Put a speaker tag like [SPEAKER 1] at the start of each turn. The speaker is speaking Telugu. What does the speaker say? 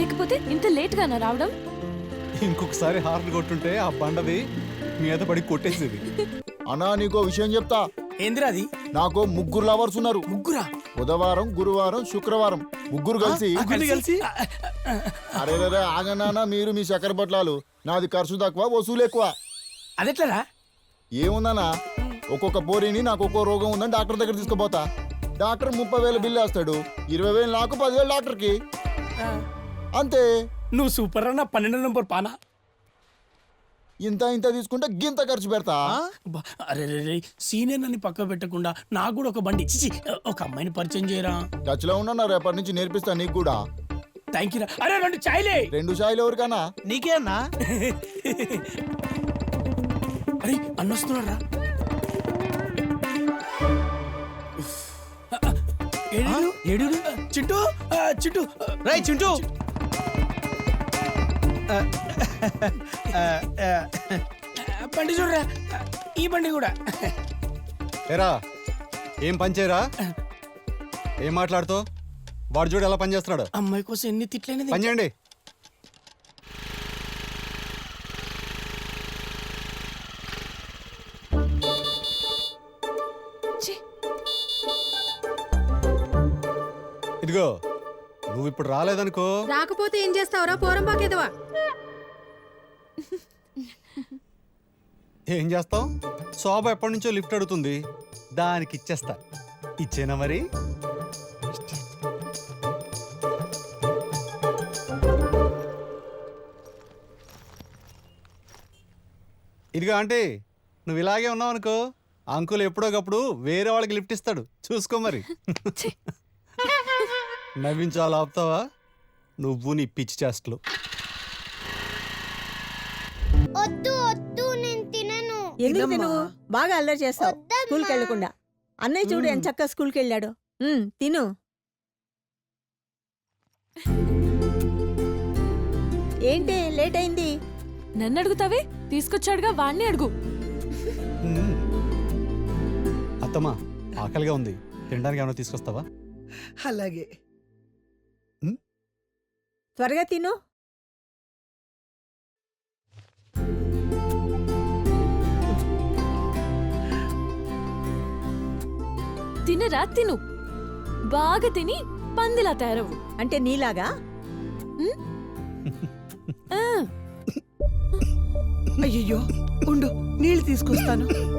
[SPEAKER 1] లేకపోతే ఇంత లేట్ గా రావడం?
[SPEAKER 2] ఇంకొకసారి హార్న్ కొట్టుంటే ఆ బండది మీద పడి కొట్టేసేది.
[SPEAKER 3] అన్నా నీకో విషయం చెప్తా.
[SPEAKER 4] ఏందిరా అది?
[SPEAKER 3] నాకు ముగ్గురు లవర్స్ ఉన్నారు.
[SPEAKER 4] ముగ్గురా?
[SPEAKER 3] బుధవారం, గురువారం, శుక్రవారం ముగ్గురు కలిసి.
[SPEAKER 4] కలిసి
[SPEAKER 3] అరే రే ఆగనానా, మీరు మీ చక్కెర పట్లాలు. నాది ఖర్చు తక్కువ, వసూలు ఎక్కువ.
[SPEAKER 4] అదెట్లరా?
[SPEAKER 3] ఏముందనా, ఒక్కొక్క పోరిని నాకు ఒక్కో రోగం ఉందని డాక్టర్ దగ్గర తీసుకుపోతా. డాక్టర్ 30,000 బిల్లు వేస్తాడు. 20,000 నాకు, 10,000 డాక్టర్కి. అంతే.
[SPEAKER 4] నువ్వు సూపర్ అన్న. 12 నంబర్ పానా.
[SPEAKER 3] ఇంత ఇంత తీసుకుంటే గింత ఖర్చు పెడతా.
[SPEAKER 4] అరే రే, సీనియర్ నన్ను పక్క పెట్టకుండా నాకు కూడా ఒక బండి చిచి ఒక అమ్మాయిని పరిచయం చేయరా.
[SPEAKER 3] టచ్లో ఉన్నా, రేపటి నుంచి నేర్పిస్తా నీకు కూడా.
[SPEAKER 4] థ్యాంక్ యూ రా. అరే 2 చాయ్లే.
[SPEAKER 3] 2 చాయ్లు ఎవరికన్నా?
[SPEAKER 5] నీకే అన్నా.
[SPEAKER 4] అరే అన్నొస్తున్నాడు రా. ఏడు చింటూ, చింటూ,
[SPEAKER 5] రై చింటూ.
[SPEAKER 4] బండి చూడరా. ఈ బండి కూడా.
[SPEAKER 2] ఏరా ఏం పనిచేయరా? ఏం మాట్లాడుతావు? వాడు చూడు ఎలా పనిచేస్తున్నాడు.
[SPEAKER 4] అమ్మాయి కోసం ఎన్ని తిట్లేనిది.
[SPEAKER 2] పని చేయండి. ఇదిగో నువ్వు ఇప్పుడు రాలేదనుకో.
[SPEAKER 6] రాకపోతే ఏం చేస్తావురా పోరంబాకేదవా?
[SPEAKER 2] ఏం చేస్తావు? శోభ ఎప్పటి నుంచో లిఫ్ట్ అడుగుతుంది, దానికి ఇచ్చేస్తా. ఇచ్చేనా మరి? ఇదిగో ఆంటీ, నువ్వు ఇలాగే ఉన్నావు అనుకో, అంకుల్ ఎప్పుడోకప్పుడు వేరే వాళ్ళకి లిఫ్ట్ ఇస్తాడు, చూసుకో మరి. నవ్వించాలి ఆపుతావా నువ్వు నీ పిచ్చి చేష్టలు.
[SPEAKER 7] ఎందుకు తిను? బాగా అల్లరి చేస్తావు స్కూల్కి వెళ్ళకుండా. అన్నయ్య చూడు ఎంత చక్కగా స్కూల్కి వెళ్ళాడు. తిను. ఏంటి లేట్ అయింది?
[SPEAKER 1] నన్ను అడుగుతావే? తీసుకొచ్చాడుగా, వాణ్ణి అడుగు.
[SPEAKER 2] అత్తమ్మా ఆకలిగా ఉంది, తినడానికి ఏమైనా తీసుకొస్తావా?
[SPEAKER 5] అలాగే.
[SPEAKER 7] త్వరగా తిను.
[SPEAKER 1] తినరా, తిను. బాగా తిని పందిలా తయారవు.
[SPEAKER 7] అంటే నీలాగా?
[SPEAKER 5] అయ్యో ఉండు, నీళ్ళు తీసుకొస్తాను.